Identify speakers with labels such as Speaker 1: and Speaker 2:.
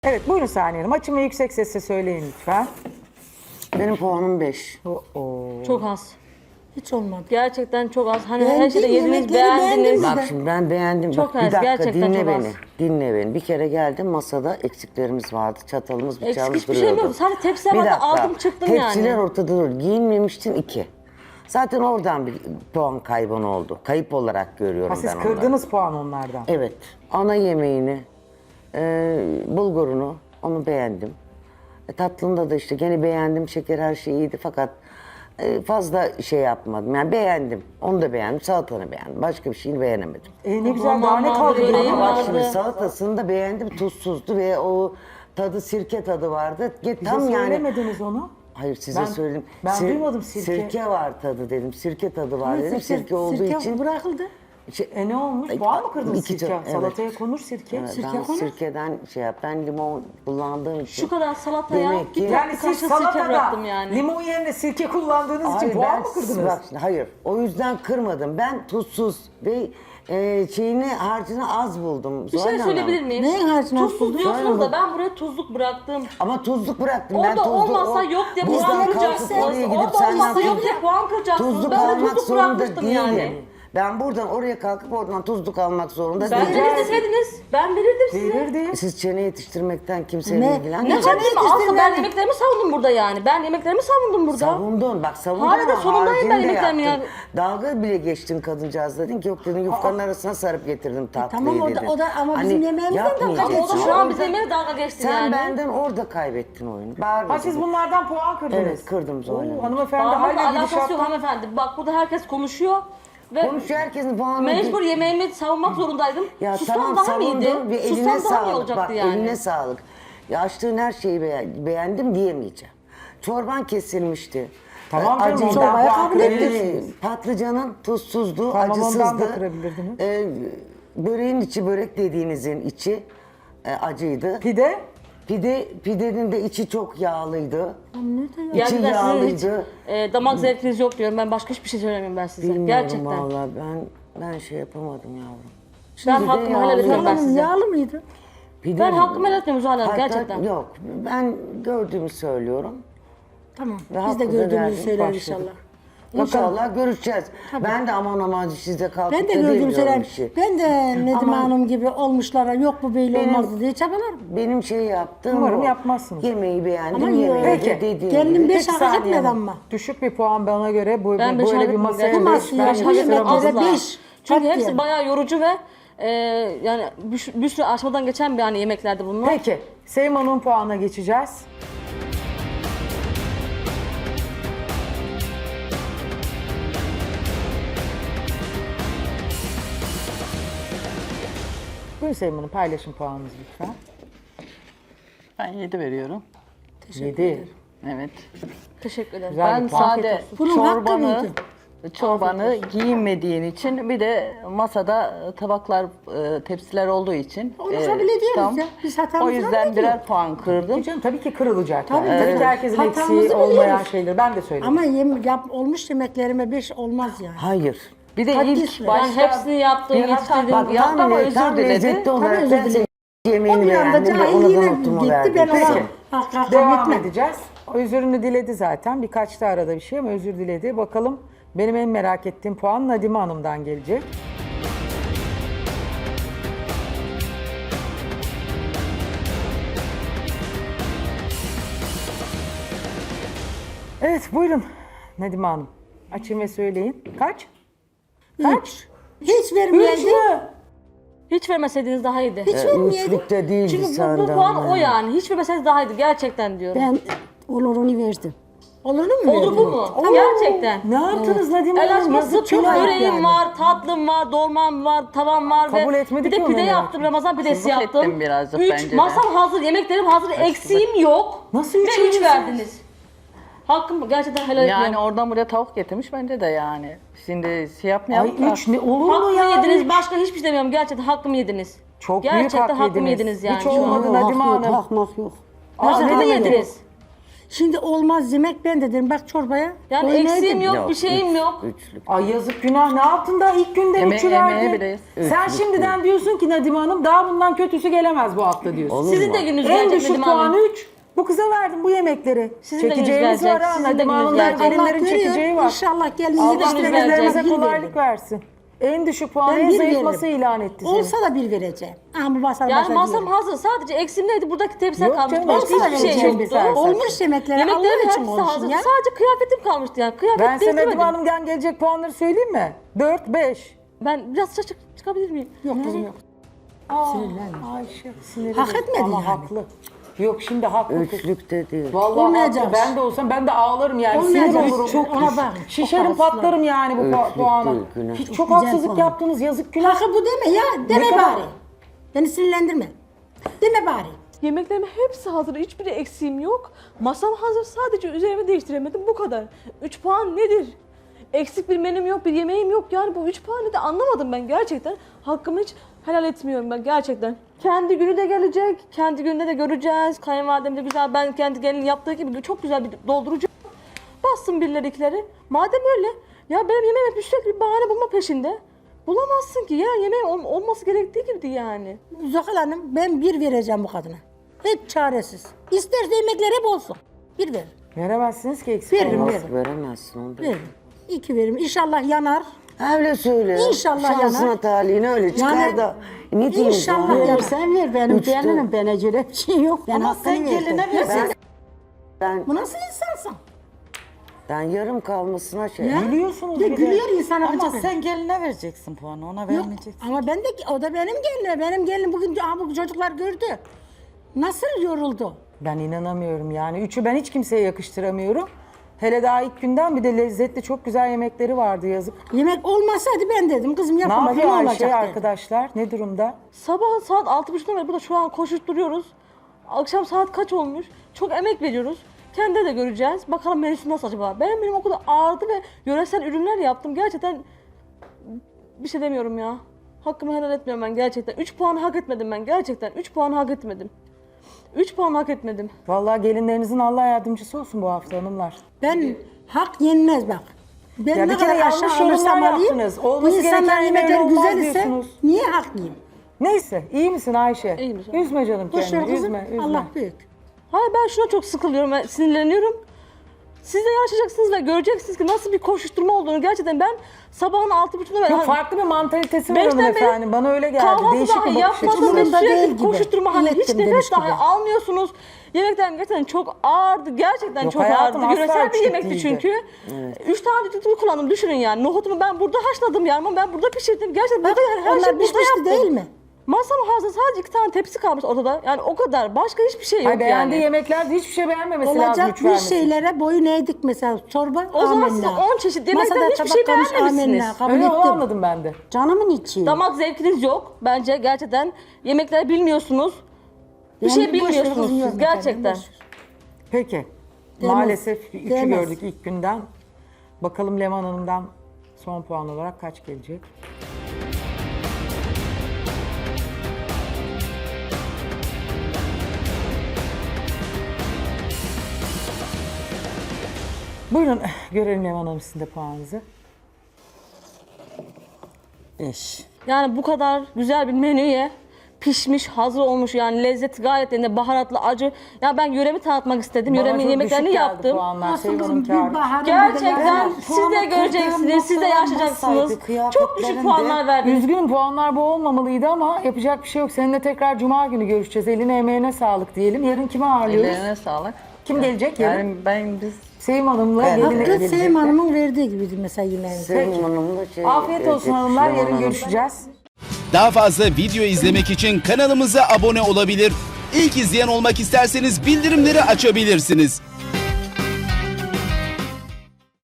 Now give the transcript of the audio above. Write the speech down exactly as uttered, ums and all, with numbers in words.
Speaker 1: Evet buyurun Saniye Hanım. Açın ve yüksek sesle söyleyin lütfen.
Speaker 2: Benim puanım beş.
Speaker 3: Çok az.
Speaker 4: Hiç olmadı.
Speaker 3: Gerçekten çok az. Hani her
Speaker 4: Beğendin,
Speaker 3: şeyde yediniz,
Speaker 4: yemekleri
Speaker 3: beğendiniz.
Speaker 4: beğendin mi?
Speaker 2: Bak şimdi ben beğendim.
Speaker 3: Çok
Speaker 2: Bak, bir
Speaker 3: az,
Speaker 2: dakika
Speaker 3: gerçekten
Speaker 2: dinle
Speaker 3: çok
Speaker 2: beni.
Speaker 3: az.
Speaker 2: Dinle beni. Bir kere geldim masada eksiklerimiz vardı. Çatalımız
Speaker 3: Eksik
Speaker 2: bıçağımız
Speaker 3: hiçbir şey
Speaker 2: duruyordu.
Speaker 3: yok. Sadece tepsiye
Speaker 2: Bir
Speaker 3: vardı,
Speaker 2: dakika.
Speaker 3: aldım çıktım
Speaker 2: Tepsiler
Speaker 3: yani.
Speaker 2: ortada duruyor. Giyinmemiştin iki. Zaten oradan bir puan kaybın oldu. Kayıp olarak görüyorum
Speaker 1: Ha, siz
Speaker 2: ben onları.
Speaker 1: kırdınız puan onlardan.
Speaker 2: Evet. Ana yemeğini, e, bulgurunu onu beğendim. E, tatlında da işte gene beğendim. Şeker her şey iyiydi fakat e, fazla şey yapmadım. Yani beğendim. Onu da beğendim. Salatanı beğendim. Başka bir şeyini beğenemedim.
Speaker 1: E, ne güzel daha ne
Speaker 3: Aman
Speaker 1: kaldı?
Speaker 3: böreği
Speaker 1: geriye?
Speaker 2: Ama bak
Speaker 3: vardı.
Speaker 2: şimdi salatasını da beğendim. Tuzsuzdu ve o tadı sirke tadı vardı. Ge- Tam
Speaker 1: Bize
Speaker 2: yani.
Speaker 1: söylemediniz onu.
Speaker 2: Hayır size
Speaker 1: Ben-
Speaker 2: söyledim.
Speaker 1: ben duymadım sirke.
Speaker 2: Sirke var tadı dedim. Sirke tadı var
Speaker 4: Ama
Speaker 2: dedim. Sirke, olduğu
Speaker 4: sirke
Speaker 2: için.
Speaker 4: bırakıldı.
Speaker 2: Şey-
Speaker 1: E ne olmuş?
Speaker 2: Ay,
Speaker 1: Puan mı kırdınız
Speaker 2: iki
Speaker 1: sirke?
Speaker 2: çok- evet.
Speaker 1: Salataya konur sirke.
Speaker 2: Evet,
Speaker 4: Sirke
Speaker 2: ben
Speaker 4: konur.
Speaker 2: sirkeden şey yap. Ben limon kullandığım için.
Speaker 3: Şu kadar salataya
Speaker 2: Demek ki-
Speaker 3: bir
Speaker 1: Yani
Speaker 3: tatlı
Speaker 1: siz
Speaker 3: kaşık sirke
Speaker 1: salatada
Speaker 3: bıraktım yani.
Speaker 1: limon yerine sirke kullandığınız için
Speaker 2: Hayır,
Speaker 1: puan
Speaker 2: ben-
Speaker 1: mı kırdınız?
Speaker 2: Bak, şimdi, hayır. O yüzden kırmadım. Ben tuzsuz ve e, şeyini harcını az buldum.
Speaker 3: Bir
Speaker 2: Zuhal
Speaker 3: şey
Speaker 2: Hanım.
Speaker 3: söyleyebilir miyim?
Speaker 4: Neyin harcını az
Speaker 3: Tuzsuz
Speaker 4: buldun?
Speaker 3: diyorsunuz da
Speaker 2: Söyle
Speaker 3: ben buraya tuzluk bıraktım.
Speaker 2: Ama tuzluk bıraktım.
Speaker 3: Orada
Speaker 2: ben tuzlu,
Speaker 3: olmasa
Speaker 2: o-
Speaker 3: yok diye
Speaker 2: Buradan
Speaker 3: puan
Speaker 2: kalkıp
Speaker 3: kıracaksınız.
Speaker 2: oraya gidip
Speaker 3: Orada
Speaker 2: sen
Speaker 3: olmasa
Speaker 2: yapayım.
Speaker 3: yok diye puan kıracaksınız.
Speaker 2: Tuzluk
Speaker 3: Ben de
Speaker 2: almak
Speaker 3: tuzluk
Speaker 2: zorunda
Speaker 3: bırakmıştım
Speaker 2: değilim.
Speaker 3: yani.
Speaker 2: Ben buradan oraya kalkıp oradan tuzluk almak zorunda
Speaker 3: Ben
Speaker 2: değilim.
Speaker 3: verir deseydiniz, ben verirdim size.
Speaker 1: Verirdi.
Speaker 2: Siz çene yetiştirmekten kimseyle
Speaker 4: Ne?
Speaker 2: ilgilenmiyor.
Speaker 3: Ne
Speaker 4: Çene
Speaker 3: haddime aslında ben
Speaker 4: yetiştirmeyen-
Speaker 3: yemeklerimi savundum burada yani. Ben yemeklerimi savundum burada.
Speaker 2: Savundun bak savundun
Speaker 3: Hala da
Speaker 2: ama
Speaker 3: sonundayım ben
Speaker 2: haricinde
Speaker 3: yemeklerimi
Speaker 2: yaptın.
Speaker 3: ya.
Speaker 2: Dalga bile geçtin kadıncağız dedin ki yok dedin yufkanın arasına sarıp getirdim tatlıyı
Speaker 4: tamam, o da-
Speaker 2: dedin.
Speaker 4: o da ama bizim yemeğimizden dalga
Speaker 2: yapmayacaksın.
Speaker 3: Ama o da şu an
Speaker 2: Orada-
Speaker 3: bizim yemeğe dalga geçti
Speaker 2: Sen
Speaker 3: yani.
Speaker 2: benden orada kaybettin oyunu. Bağırma
Speaker 1: Ha siz
Speaker 2: dedi.
Speaker 1: bunlardan puan kırdınız.
Speaker 2: Evet, kırdım Zuhal Hanım.
Speaker 1: Oo, hanımefendi
Speaker 3: Bağırmakla
Speaker 1: hala
Speaker 3: alakası yok
Speaker 1: gidişattan...
Speaker 3: hanımefendi. Bak burada herkes konuşuyor. Ve
Speaker 2: Konuşuyor herkesin puanı.
Speaker 3: mecbur yemeğimi savunmak zorundaydım.
Speaker 2: Ya
Speaker 3: Sussam
Speaker 2: tamam
Speaker 3: daha mıydı?
Speaker 2: savundun ve eline
Speaker 3: Sussam daha mı
Speaker 2: sağlık.
Speaker 3: olacaktı
Speaker 2: Bak
Speaker 3: yani?
Speaker 2: eline sağlık. Ya açtığın her şeyi beğen- beğendim diyemeyeceğim. Çorban kesilmişti.
Speaker 1: Tamam
Speaker 2: Ee,
Speaker 1: canım,
Speaker 2: acıydı.
Speaker 1: çorbaya kabul
Speaker 2: Ee,
Speaker 1: ettiniz.
Speaker 2: Patlıcanın tuzsuzdu,
Speaker 1: Tamam, ondan
Speaker 2: acısızdı.
Speaker 1: da kırabilirdiniz.
Speaker 2: Ee, böreğin içi, börek dediğinizin içi e, acıydı.
Speaker 1: Pide?
Speaker 2: Pide, pidenin de içi çok yağlıydı. İçi
Speaker 3: Gerçekten sizin hiç
Speaker 2: yağlıydı.
Speaker 3: e, damak zevkiniz yok diyorum. Ben başka hiçbir şey söylemiyorum ben size.
Speaker 2: Bilmiyorum
Speaker 3: Gerçekten.
Speaker 2: vallahi ben ben şey yapamadım yavrum.
Speaker 3: Ben
Speaker 2: Pide
Speaker 3: hakkımı helal
Speaker 2: yağlıydı.
Speaker 3: ediyorum ben
Speaker 4: Hanım
Speaker 3: size.
Speaker 4: yağlı mıydı?
Speaker 2: Pide-
Speaker 3: Ben hakkımı helal etmiyorum Zuhal Hanım
Speaker 2: Hatta-
Speaker 3: gerçekten.
Speaker 2: Yok ben gördüğümü söylüyorum.
Speaker 4: Tamam.
Speaker 2: Ve
Speaker 4: Biz
Speaker 2: hakkı
Speaker 4: de
Speaker 2: da
Speaker 4: gördüğümüzü
Speaker 2: verdik,
Speaker 4: söyleriz
Speaker 2: başladık.
Speaker 4: inşallah.
Speaker 2: İnşallah görüşeceğiz. Ben de aman aman sizde kalkıp
Speaker 4: Ben de
Speaker 2: da
Speaker 4: gördüğümü
Speaker 2: demiyorum
Speaker 4: söylerim.
Speaker 2: bir şey.
Speaker 4: Ben de Nedim
Speaker 2: Ama-
Speaker 4: Hanım gibi olmuşlara yok bu böyle
Speaker 2: Benim-
Speaker 4: olmazdı diye çabalarım.
Speaker 2: Benim şey yaptığım
Speaker 1: Umarım
Speaker 2: o.
Speaker 1: yapmazsınız.
Speaker 2: Yemeği beğendim,
Speaker 4: Ama
Speaker 2: yemeği
Speaker 4: yok.
Speaker 2: de
Speaker 1: Peki.
Speaker 2: dediğim
Speaker 4: Kendim
Speaker 2: gibi.
Speaker 4: beş
Speaker 1: Peki
Speaker 4: hak
Speaker 1: Saniye
Speaker 4: etmedi
Speaker 1: Hanım.
Speaker 4: ama.
Speaker 1: Düşük bir puan bana göre bu,
Speaker 3: Ben
Speaker 1: bu
Speaker 3: beş
Speaker 1: böyle
Speaker 3: hak
Speaker 1: bir
Speaker 3: etmiyorum
Speaker 1: masaya
Speaker 3: gerçekten.
Speaker 1: beş,
Speaker 4: Nasıl
Speaker 1: ben
Speaker 4: ya?
Speaker 1: beş
Speaker 4: Bu
Speaker 1: veremem.
Speaker 4: yemeklere
Speaker 3: Asla.
Speaker 4: beş.
Speaker 3: Çünkü
Speaker 4: Kat
Speaker 3: hepsi
Speaker 4: diyelim.
Speaker 3: bayağı yorucu ve e, yani bir, bir sürü aşamadan geçen bir hani yemeklerdi bunlar.
Speaker 1: Peki. Sevim Hanım'ın puanına geçeceğiz. Buyurun Sevim Hanım paylaşın puanınızı lütfen.
Speaker 5: Ben yedi veriyorum.
Speaker 1: yedi.
Speaker 5: Evet.
Speaker 3: Teşekkür ederim.
Speaker 1: Güzel
Speaker 5: Ben
Speaker 1: bir puan.
Speaker 5: sade
Speaker 1: Afiyet
Speaker 4: olsun. Bunun hakkı
Speaker 5: çorbanı
Speaker 4: mıydı?
Speaker 5: çorbanı giyinmediğin için bir de masada tabaklar, e, tepsiler olduğu için
Speaker 4: Onu
Speaker 5: e,
Speaker 4: kabul ediyoruz ya. Biz hatamızı
Speaker 5: o
Speaker 4: kabul
Speaker 5: yüzden
Speaker 4: ediyoruz.
Speaker 5: birer puan kırdım.
Speaker 1: Canım tabii ki kırılacak.
Speaker 4: Tabii,
Speaker 1: yani. Tabii
Speaker 4: evet.
Speaker 1: ki herkesin
Speaker 4: Hatamızı
Speaker 1: eksiği olmayan
Speaker 4: biliyoruz.
Speaker 1: şeyler. Ben de söyledim.
Speaker 4: Ama yem, yap, olmuş yemeklerime beş olmaz yani.
Speaker 2: Hayır.
Speaker 5: Bir de
Speaker 4: Hadis
Speaker 5: ilk
Speaker 4: mi?
Speaker 3: Ben
Speaker 5: başta
Speaker 3: hepsini yaptım,
Speaker 5: bir hata-
Speaker 3: yetiştirdim.
Speaker 5: bak,
Speaker 2: Tam,
Speaker 5: yaptı ama
Speaker 2: le-
Speaker 5: özür
Speaker 2: tam
Speaker 5: diledi.
Speaker 2: lezzetli olarak
Speaker 4: özür
Speaker 2: ben
Speaker 4: diledi.
Speaker 2: senin
Speaker 4: O
Speaker 2: yemeğini
Speaker 4: bir anda
Speaker 2: beğendim ve ona da
Speaker 4: cahilliğine
Speaker 2: notumu
Speaker 4: gitti.
Speaker 2: verdim.
Speaker 4: Ben ona
Speaker 1: Peki.
Speaker 4: hak- hak
Speaker 1: Devam
Speaker 4: etmem.
Speaker 1: edeceğiz. O özürünü diledi zaten. Birkaç da arada bir şey ama özür diledi. Bakalım benim en merak ettiğim puan Nadime Hanım'dan gelecek. Evet buyurun Nadime Hanım. Açın ve söyleyin. Kaç?
Speaker 4: Üç. Hiç
Speaker 1: Üç
Speaker 4: vermeyeydi.
Speaker 1: mü?
Speaker 3: Hiç vermeseydiniz daha iyiydi.
Speaker 4: Hiç vermeyeydi.
Speaker 2: Üçlükte değildi
Speaker 3: Çünkü bu, bu
Speaker 2: senden.
Speaker 3: puan o yani. Hiç vermeseydiniz daha iyiydi gerçekten diyorum.
Speaker 4: Ben olurunu verdim. Olurunu mu
Speaker 3: Olur bu
Speaker 4: verdim?
Speaker 3: mu? Gerçekten.
Speaker 1: Ne yaptınız Nadime
Speaker 3: El
Speaker 1: Hanım?
Speaker 3: açması
Speaker 1: Yazık
Speaker 3: çok
Speaker 1: günah.
Speaker 3: böreğim
Speaker 4: yani.
Speaker 3: var, tatlım var, dolmam var, tavam var
Speaker 1: Kabul
Speaker 3: ve
Speaker 1: etmedi
Speaker 3: bir
Speaker 1: ki
Speaker 3: de
Speaker 1: onu
Speaker 3: pide
Speaker 1: merak
Speaker 3: yaptım, Ramazan pidesi
Speaker 5: Haksızlık
Speaker 3: yaptım.
Speaker 5: ettim birazcık
Speaker 3: Üç,
Speaker 5: bence de.
Speaker 3: masam hazır, yemeklerim hazır, eksiğim yok.
Speaker 1: Nasıl üç
Speaker 3: Ve üç
Speaker 1: veriyorsun?
Speaker 3: verdiniz. Hakkım gerçekten helal
Speaker 5: Yani
Speaker 3: etmiyorum.
Speaker 5: oradan buraya tavuk getirmiş bence de yani. Şimdi şey
Speaker 1: Ay
Speaker 5: yapmayalım da.
Speaker 1: üç ne olur mu
Speaker 3: Hakkımı
Speaker 1: ya?
Speaker 3: yediniz,
Speaker 1: Üç.
Speaker 3: başka hiçbir şey demiyorum. Gerçekten hakkımı yediniz.
Speaker 1: Çok
Speaker 3: Gerçekten
Speaker 1: büyük hak
Speaker 3: hakkımı
Speaker 1: yediniz.
Speaker 3: yediniz yani
Speaker 1: Hiç
Speaker 3: şu an.
Speaker 1: olmadı
Speaker 4: Hak
Speaker 1: Nadime
Speaker 4: yok,
Speaker 1: Hanım.
Speaker 4: hak mak yok.
Speaker 3: Hakkımı
Speaker 1: Hakkımı
Speaker 3: yediniz.
Speaker 4: Şimdi olmaz yemek ben de dedim bak çorbaya.
Speaker 3: Yani
Speaker 4: koy
Speaker 3: eksiğim
Speaker 4: neydi?
Speaker 3: yok, bir şeyim
Speaker 2: üç-
Speaker 3: yok.
Speaker 2: Üçlük.
Speaker 1: Ay yazık günah, ne yaptın da ilk günde
Speaker 5: Yeme-
Speaker 1: üçü
Speaker 5: yemeğe
Speaker 1: verdin.
Speaker 5: bileyiz.
Speaker 1: Sen
Speaker 2: Üçlük
Speaker 1: şimdiden diyorsun ki Nadime Hanım daha bundan kötüsü gelemez bu hafta diyorsun.
Speaker 2: Olur
Speaker 3: Sizin
Speaker 2: mu?
Speaker 3: de gününüz
Speaker 1: En
Speaker 3: gelecek
Speaker 1: düşük
Speaker 3: Nedim Hanım.
Speaker 1: puanı üç. Bu kıza verdim bu yemekleri.
Speaker 3: Sizin de
Speaker 1: Çekeceğimiz
Speaker 3: gününüz
Speaker 1: var ha.
Speaker 3: gelecek, sizin de
Speaker 1: Nadime
Speaker 3: gününüz
Speaker 1: Hanım'dan
Speaker 3: gelecek.
Speaker 4: Allah
Speaker 1: gelinlerin
Speaker 4: görüyor.
Speaker 1: çekeceği var.
Speaker 4: İnşallah gelin
Speaker 1: Allah
Speaker 3: gününüz
Speaker 1: müşterilerimize
Speaker 3: gelecek.
Speaker 1: kolaylık versin. En düşük puanı
Speaker 4: Ben
Speaker 1: en
Speaker 4: bir
Speaker 1: zayıf masa
Speaker 4: veririm.
Speaker 1: ilan etti seni.
Speaker 4: Olsa da bir vereceğim. Ama bu masal
Speaker 3: Yani
Speaker 4: başa
Speaker 3: masam
Speaker 4: diyelim.
Speaker 3: hazır. Sadece eksiğim neydi? Buradaki tepsiler
Speaker 1: Yok
Speaker 3: kalmıştı.
Speaker 1: canım,
Speaker 3: Başka
Speaker 4: olsa da
Speaker 3: hiçbir şey
Speaker 4: vereceğim
Speaker 3: yoktu.
Speaker 1: bir saat.
Speaker 4: Olmuş yemekleri Allah
Speaker 3: Yemeklerin
Speaker 4: için
Speaker 3: hepsi
Speaker 4: olsun
Speaker 3: hazır.
Speaker 4: ya.
Speaker 3: Sadece kıyafetim kalmıştı yani. Kıyafet
Speaker 1: Ben sana Nadime
Speaker 3: değiştirmedim.
Speaker 1: Hanım'dan gelecek puanları söyleyeyim mi? dört, beş.
Speaker 3: Ben biraz çık çıkabilir miyim?
Speaker 4: Yok kızım yok.
Speaker 1: Sinirlenme. Ayşe sinirli.
Speaker 4: Hak etmedi
Speaker 1: Ama
Speaker 4: yani.
Speaker 1: haklı. Yok şimdi haklı kız.
Speaker 2: Üçlükte değil.
Speaker 1: Vallahi
Speaker 4: Olmayacak.
Speaker 1: haklı. Ben de olsam ben de ağlarım yani. Sinir
Speaker 4: Olmayacak.
Speaker 1: olurum.
Speaker 4: Çok ona bak.
Speaker 1: Şişerim
Speaker 4: Çok
Speaker 1: patlarım yani bu pu-
Speaker 2: Ölçülük
Speaker 1: puana.
Speaker 2: değil, günah.
Speaker 1: Hiç çok
Speaker 4: Güzel
Speaker 1: haksızlık
Speaker 4: puan.
Speaker 1: yaptınız. Yazık günah.
Speaker 4: Hakkı bu deme ya. Deme
Speaker 1: kadar?
Speaker 4: bari. Beni sinirlendirme. Deme bari.
Speaker 6: Yemeklerimin hepsi hazır. Hiçbiri eksiğim yok. Masam hazır. Sadece üzerime değiştiremedim. Bu kadar. üç puan nedir? Eksik bir menüm yok, bir yemeğim yok. Yani bu üç puanı da anlamadım ben gerçekten. Hakkımı hiç helal etmiyorum ben gerçekten. Kendi günü de gelecek. Kendi gününde de göreceğiz. Kayınvalidem de güzel. Ben kendi gelin yaptığı gibi çok güzel bir doldurucu bassın birileri ikileri. Madem öyle. Ya benim yemeğim hep sürekli bir bahane bulma peşinde. Bulamazsın ki ya. Yemeğim ol- olması gerektiği gibiydi yani.
Speaker 4: Zuhal Hanım ben bir vereceğim bu kadına. Hiç çaresiz. İsterse yemekler hep olsun. Bir ver.
Speaker 1: Veremezsiniz ki eksik
Speaker 4: Veririm,
Speaker 1: olmaz.
Speaker 4: veririm.
Speaker 2: Veremezsin onu da.
Speaker 4: Veririm. İki veririm. İnşallah yanar.
Speaker 2: Öyle söyle.
Speaker 4: İnşallah
Speaker 2: Şansına
Speaker 4: yanar.
Speaker 2: talihine öyle çıkar
Speaker 4: Yani
Speaker 2: da. Ne diyeyim
Speaker 4: İnşallah
Speaker 2: sana?
Speaker 4: yanar.
Speaker 7: Sen ver benim
Speaker 2: Üçte.
Speaker 7: gelinim bana göre bir şey yok. Ben
Speaker 4: Ama
Speaker 7: hakkını
Speaker 4: sen
Speaker 7: verdim.
Speaker 4: geline versin.
Speaker 2: Ben,
Speaker 4: Bu nasıl insansın?
Speaker 2: ben yarım kalmasına şey.
Speaker 4: Ya?
Speaker 1: Gülüyorsunuz
Speaker 4: Bir de
Speaker 1: bir de.
Speaker 4: gülüyor insana.
Speaker 7: Ama
Speaker 4: gıcık.
Speaker 7: sen geline vereceksin puanı, ona
Speaker 4: Yok,
Speaker 7: vermeyeceksin.
Speaker 4: ama ben de o da benim gelinim. Benim gelinim bugün aha, bu çocuklar gördü. Nasıl yoruldu?
Speaker 1: Ben inanamıyorum yani. Üçü ben hiç kimseye yakıştıramıyorum. Hele daha ilk günden bir de lezzetli çok güzel yemekleri vardı yazık.
Speaker 4: Yemek olmasaydı ben dedim kızım
Speaker 1: Ne
Speaker 4: yapamadım
Speaker 1: yapıyor
Speaker 4: ne
Speaker 1: Ayşe
Speaker 4: olacak dedim.
Speaker 1: arkadaşlar? Ne durumda?
Speaker 3: Sabah saat altı buçuktan beri burada şu an koşuşturuyoruz. Akşam saat kaç olmuş? Çok emek veriyoruz. Kendi de göreceğiz. Bakalım menüsü nasıl acaba? Benim benim o kadar ağırdı ve yöresel ürünler yaptım. Gerçekten bir şey demiyorum ya. Hakkımı helal etmiyorum ben gerçekten. üç puan hak etmedim ben gerçekten. üç puan hak etmedim. üç puan hak etmedim.
Speaker 1: Vallahi gelinlerinizin Allah yardımcısı olsun bu hafta hanımlar.
Speaker 4: Ben hak yenmez bak. Ben
Speaker 1: Ya
Speaker 4: ne
Speaker 1: bir kere
Speaker 4: kadar
Speaker 1: yanlış
Speaker 4: aşağı alırsam
Speaker 1: yorumlar
Speaker 4: alayım,
Speaker 1: yaptınız.
Speaker 4: bu
Speaker 1: Olması
Speaker 4: insanlar
Speaker 1: gereken
Speaker 4: yemekler
Speaker 1: yemeğin olmaz
Speaker 4: güzel ise
Speaker 1: diyorsunuz.
Speaker 4: niye haklıyım?
Speaker 1: Neyse iyi misin Ayşe?
Speaker 3: İyiyim canım.
Speaker 1: Üzme canım
Speaker 4: Boş ver
Speaker 1: kendini.
Speaker 4: kızım.
Speaker 1: Üzme, üzme.
Speaker 4: Allah büyük.
Speaker 3: Hayır ben şuna çok sıkılıyorum, ben sinirleniyorum. Siz de yaşayacaksınız ve göreceksiniz ki nasıl bir koşuşturma olduğunu. Gerçekten ben sabahın altı buçukta
Speaker 1: Çok farklı bir mantalitesi var
Speaker 3: Beşten
Speaker 1: hanımefendi. Bana öyle geldi.
Speaker 3: kahvaltı
Speaker 1: Değişik
Speaker 3: dahi
Speaker 1: bir bakış açısı.
Speaker 3: yapmadım ve
Speaker 4: Umurumda değil
Speaker 3: sürekli
Speaker 4: gibi.
Speaker 3: koşuşturma hani hiç
Speaker 4: İlettim
Speaker 3: nefes
Speaker 4: demiş
Speaker 3: dahi
Speaker 4: gibi.
Speaker 3: almıyorsunuz. Yemeklerim gerçekten çok ağırdı. Gerçekten
Speaker 1: Yok,
Speaker 3: çok
Speaker 1: hayatım,
Speaker 3: ağırdı.
Speaker 1: asla
Speaker 3: Yöresel bir
Speaker 1: küçük
Speaker 3: yemekti
Speaker 1: değildi.
Speaker 3: çünkü. Üç tane düdüklü kullandım düşünün yani. Nohutumu ben burada haşladım yani ama ben burada pişirdim. Gerçekten
Speaker 4: Bak,
Speaker 3: burada her
Speaker 4: onlar
Speaker 3: şey burada
Speaker 4: pişmişti
Speaker 3: yaptım.
Speaker 4: değil mi?
Speaker 3: Masam hazır sadece iki tane tepsi kalmış ortada. Yani o kadar. Başka hiçbir şey yok
Speaker 1: Ay beğendiği
Speaker 3: yani.
Speaker 1: yemeklerde hiçbir şey beğenmemesi lazım.
Speaker 4: Olacak
Speaker 1: Üç
Speaker 4: bir
Speaker 1: vermesi.
Speaker 4: şeylere boyun eğdik mesela çorba.
Speaker 3: O zaman
Speaker 4: amenna.
Speaker 3: siz on çeşit yemekten
Speaker 4: Masada
Speaker 3: hiçbir
Speaker 4: tabak
Speaker 3: şey
Speaker 4: kalmış,
Speaker 3: beğenmemişsiniz.
Speaker 4: amenna, kabul
Speaker 1: Öyle onu
Speaker 4: ettim.
Speaker 1: anladım ben de.
Speaker 7: Canımın içi.
Speaker 3: Damak zevkiniz yok. Bence gerçekten yemekleri bilmiyorsunuz. Bir
Speaker 4: Yani
Speaker 3: şey
Speaker 4: boş ver
Speaker 3: bilmiyorsunuz
Speaker 4: kızım,
Speaker 3: siz
Speaker 4: yok
Speaker 3: gerçekten.
Speaker 4: efendim, boş ver.
Speaker 1: Peki.
Speaker 4: Demez.
Speaker 1: Maalesef üçü
Speaker 4: Demez.
Speaker 1: gördük ilk günden. Bakalım Leman Hanım'dan son puan olarak kaç gelecek? Buyurun görelim Leman Hanım sizin de puanınızı.
Speaker 7: Beş.
Speaker 3: Yani bu kadar güzel bir menüye pişmiş, hazır olmuş yani lezzeti gayet yerinde, baharatlı, acı. Ya ben yöremi tanıtmak istedim.
Speaker 1: Bana
Speaker 3: Yöremin
Speaker 1: çok
Speaker 3: yemeklerini
Speaker 1: düşük geldi
Speaker 3: yaptım.
Speaker 1: puanlar,
Speaker 4: Olsun
Speaker 1: Sevim
Speaker 4: kızım
Speaker 1: Hanım
Speaker 4: bir
Speaker 1: kârı.
Speaker 4: baharın
Speaker 3: Gerçekten
Speaker 4: bir de-
Speaker 3: siz de göreceksiniz, siz de yaşayacaksınız. Çok düşük puanlar verdiniz.
Speaker 1: Üzgünüm puanlar bu olmamalıydı ama yapacak bir şey yok. Seninle tekrar cuma günü görüşeceğiz. Eline emeğine sağlık diyelim. Yarın kimi ağırlıyoruz?
Speaker 5: Ellerine sağlık.
Speaker 1: Kim gelecek yarın?
Speaker 5: Yani ben biz
Speaker 1: Sevim Hanım'la geline
Speaker 4: Hakkı
Speaker 1: gelecek.
Speaker 4: Sevim Hanım'ın verdiği gibiydi mesela yemeğini.
Speaker 2: Sevim Hanım'la şey
Speaker 1: Afiyet olsun
Speaker 2: gelecek,
Speaker 1: hanımlar.
Speaker 2: Süleyman
Speaker 1: Yarın
Speaker 2: Hanım.
Speaker 1: görüşeceğiz.
Speaker 8: Daha fazla video izlemek için kanalımıza abone olabilir. İlk izleyen olmak isterseniz bildirimleri açabilirsiniz.